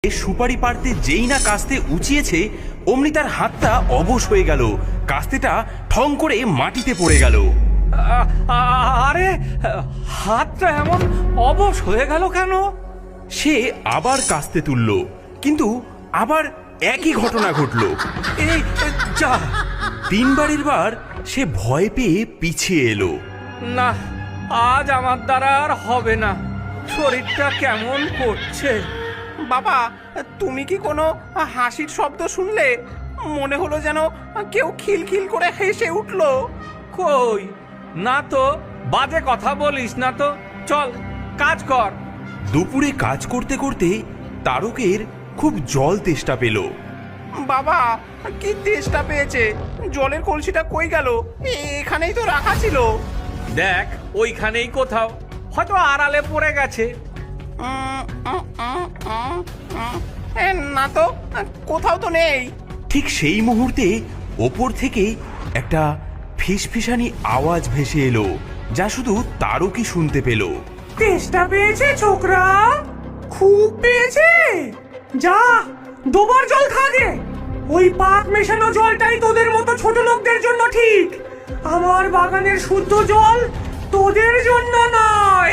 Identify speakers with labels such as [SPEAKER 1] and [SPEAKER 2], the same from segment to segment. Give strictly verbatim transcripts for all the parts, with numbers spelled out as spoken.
[SPEAKER 1] সুপারি পাড়তে যেই না কাস্তে উঁচিয়েছে অমনি তার হাতটা অবশ হয়ে গেল। কাস্তেটা ঠং করে মাটিতে পড়ে গেল।
[SPEAKER 2] আ- আ- আরে হাতটা এমন অবশ হয়ে গেল কেন?
[SPEAKER 1] সে আবার কাস্তে তুলল, কিন্তু আবার একই ঘটনা ঘটল।
[SPEAKER 2] এই যা,
[SPEAKER 1] তিনবারের বার সে ভয় পেয়ে পিছিয়ে এলো।
[SPEAKER 2] না, আজ আমার দ্বারা আর হবে না। শরীরটা কেমন করছে।
[SPEAKER 3] বাবা, তুমি কি কোনো হাসির শব্দ শুনলে? মনে হলো যেন কেউ খিলখিল করে হেসে উঠলো।
[SPEAKER 2] কই না তো, বাজে কথা বলিস না তো। চল কাজ কর।
[SPEAKER 1] দুপুরে কাজ করতে করতে তারকের খুব জল তেষ্টা পেল।
[SPEAKER 3] বাবা, কি তেষ্টা পেয়েছে! জলের কলসিটা কই গেল? এখানেই তো রাখা ছিল।
[SPEAKER 2] দেখ, ওইখানেই কোথাও, হয়তো আড়ালে পড়ে গেছে।
[SPEAKER 3] উম, উম, উম, উম, উম। এ, না তো, কোথাও তো নেই।
[SPEAKER 1] ঠিক সেই মুহূর্তে ওপর থেকে একটা ফিসফিসানি আওয়াজ ভেসে এলো, যা শুধু তারকই শুনতে পেল।
[SPEAKER 4] তেষ্টা পেয়েছে ছোকরা? খুব পেয়েছে? যা, দুবার জল খা গে। ওই পাক মেশানো জলটাই তোদের মতো ছোট লোকদের জন্য ঠিক। আমার বাগানের শুদ্ধ জল তোদের জন্য নয়।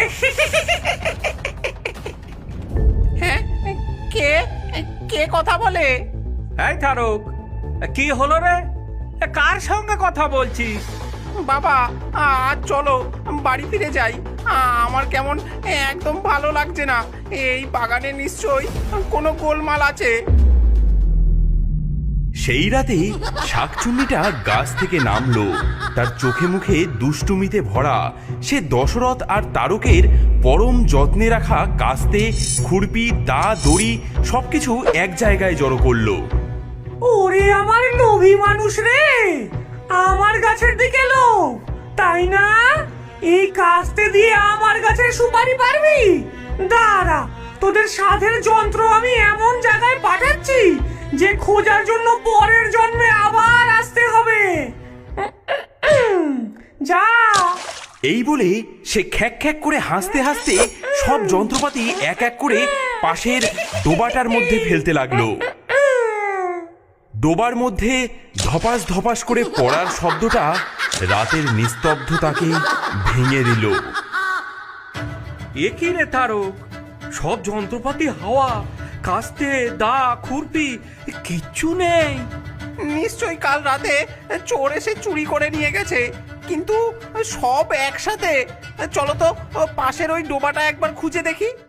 [SPEAKER 3] হ্যাঁ, কে কে কথা বলে?
[SPEAKER 2] এই তারক, কি হলো রে? এ, কার সঙ্গে কথা বলছিস?
[SPEAKER 3] বাবা, আজ চলো বাড়ি ফিরে যাই। আমার কেমন একদম ভালো লাগছে না। এই বাগানে নিশ্চয়ই কোনো গোলমাল আছে।
[SPEAKER 1] সেই রাতে শাকচুন্নিটা গাছ থেকে নামলো। তার চোখে মুখে দুষ্টুমিতে ভরা। সে দশরথ আর তারকের পরম যত্নে রাখা কাস্তে, খুরপি, দা, দড়ি সবকিছু এক জায়গায় জড়ো করলো।
[SPEAKER 4] ওরে আমার লোভী মানুষ রে, আমার গাছের দিকে লোভ, তাই না? এই কাস্তে দিয়ে আমার গাছের সুপারি পারবি? দাঁড়া, তোদের সাধের যন্ত্র আমি এমন জায়গায় পাঠাচ্ছি যে খোঁজার জন্য পরের জন্মে আবার আসতে হবে। যা।
[SPEAKER 1] এই বলে সে খ্যাক খ্যাক করে হাসতে হাসতে সব যন্ত্রপাতি এক এক করে পাশের ডোবাটার মধ্যে ফেলতে লাগলো। ডোবার মধ্যে ধপাস ধপাস করে পড়ার শব্দটা রাতের নিস্তব্ধতাকে ভেঙে দিল।
[SPEAKER 2] এ কি রে তারক, সব যন্ত্রপাতি হাওয়া, কাস্তে, দা, খুরপি কিচ্ছু নেই।
[SPEAKER 3] নিশ্চয়ই কাল রাতে চোর এসে চুরি করে নিয়ে গেছে, কিন্তু সব একসাথে। চলো তো পাশের ওই ডোবাটা একবার খুঁজে দেখি।